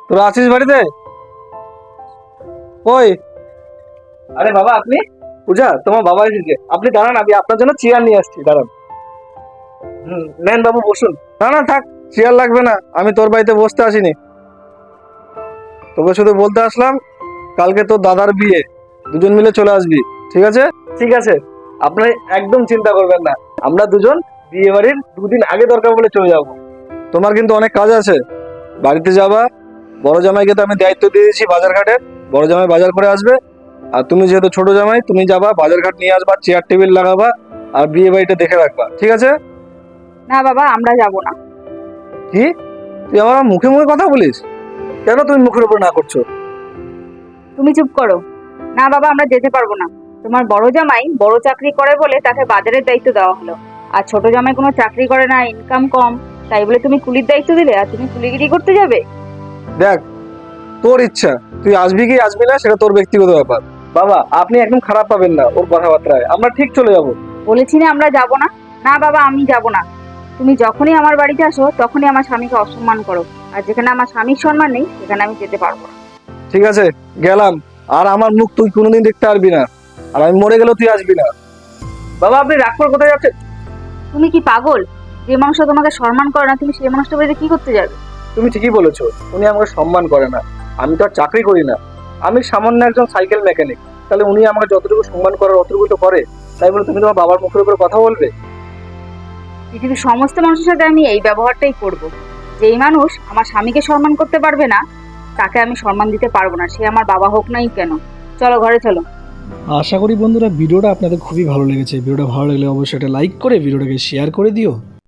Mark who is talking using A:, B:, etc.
A: তোরা আছিস বাড়িতে? ওই, আরে বাবা আপনি? পূজা, তোমার বাবা এসেছে। আপনি দাঁড়ান, আমি আপনার জন্য চেয়ার নিয়ে আসছি, দাঁড়ান। নেন বাবু বসুন। না না থাক, চেয়ার লাগবে না, আমি তোর বাড়িতে বসতে আসিনি। তোকে শুধু বলতে আসলাম, কালকে তোর দাদার বিয়ে, দুজন মিলে চলে আসবি, ঠিক আছে? ঠিক আছে, আপনি একদম চিন্তা করবেন না। আমরা দুজন বিয়ে বাড়ির 2 দিন আগে দরকার বলে চলে যাব। তোমার কিন্তু অনেক কাজ আছে, বাড়িতে যাবা। বড় জামাইকে তো আমি দায়িত্ব দিয়ে দিয়েছি বাজার ঘাটের, বড় জামাই বাজার করে আসবে। আর তুমি যেহেতু ছোট জামাই, তুমি যাবা বাজার ঘাট নিয়ে আসবা, চেয়ার টেবিল লাগাবা, আর বিয়ে বাড়িটা দেখে রাখবা, ঠিক আছে?
B: না বাবা, আমরা যাব না।
A: কি, তুই আমার মুখে মুখে কথা বলিস? কেন তুমি মুখের উপর না করছো?
B: তুমি চুপ করো। না বাবা, আমরা যেতে পারবো না। তোমার বড় জামাই বড় চাকরি করে বলে তাকে বাজারের দায়িত্ব দেওয়া হলো, আর ছোট জামাই কোনো চাকরি করে না, ইনকাম কম, তাই বলে তুমি কুলির দায়িত্ব দিলে আর তুমি কুলিগিরি করতে যাবে?
A: দেখ, তোর ইচ্ছা, তুই আসবি কি আসবি না সেটা তোর ব্যক্তিগত ব্যাপার। বাবা আপনি একদম খারাপ পাবেন না ওর কথাবার্তায়, আমরা ঠিক চলে যাব।
B: বলেছি না আমরা যাব না। না বাবা, আমি যাব না। তুমি যখনই আমার বাড়িতে আসো তখনই আমার স্বামীকে অসম্মান করো, আর যেখানে আমার স্বামীর সম্মান নেই সেখানে আমি যেতে পারবো না।
A: ঠিক আছে, গেলাম। আর আমার মুখ তুই কোনোদিন দেখতে পারবি না, আর আমি মরে গেলেও তুই আসবি না। বাবা আপনি রাগ করে কোথায় যাচ্ছেন?
B: তুমি কি পাগল? যে মানুষ তোমাকে সম্মান করে না, তুমি সেই মানুষটা বাড়িতে কি করতে যাবে?
A: তুমি ঠিকই বলেছো, উনি আমাকে সম্মান করে না। আমি তো আর চাকরি করি না, আমি সামান্য একজন সাইকেল মেকানিক। তাহলে উনি আমাকে যতটুকু সম্মান করার অতটুকু তো করে। তাই বলে তুমি তোমার বাবার মুখের উপরে কথা বলবে?
B: পৃথিবীর সমস্ত মানুষের সাথে আমি এই ব্যবহারটাই করব। যেই মানুষ আমার স্বামীকে সম্মান করতে পারবে না, তাকে আমি সম্মান দিতে পারবো না, সে আমার বাবা হোক নাই কেন। চলো ঘরে চলো।
C: আশা করি বন্ধুরা ভিডিওটা আপনাদের খুবই ভালো লেগেছে। ভিডিওটা ভালো লাগলে অবশ্যই একটা লাইক করে ভিডিওটাকে শেয়ার করে দিও।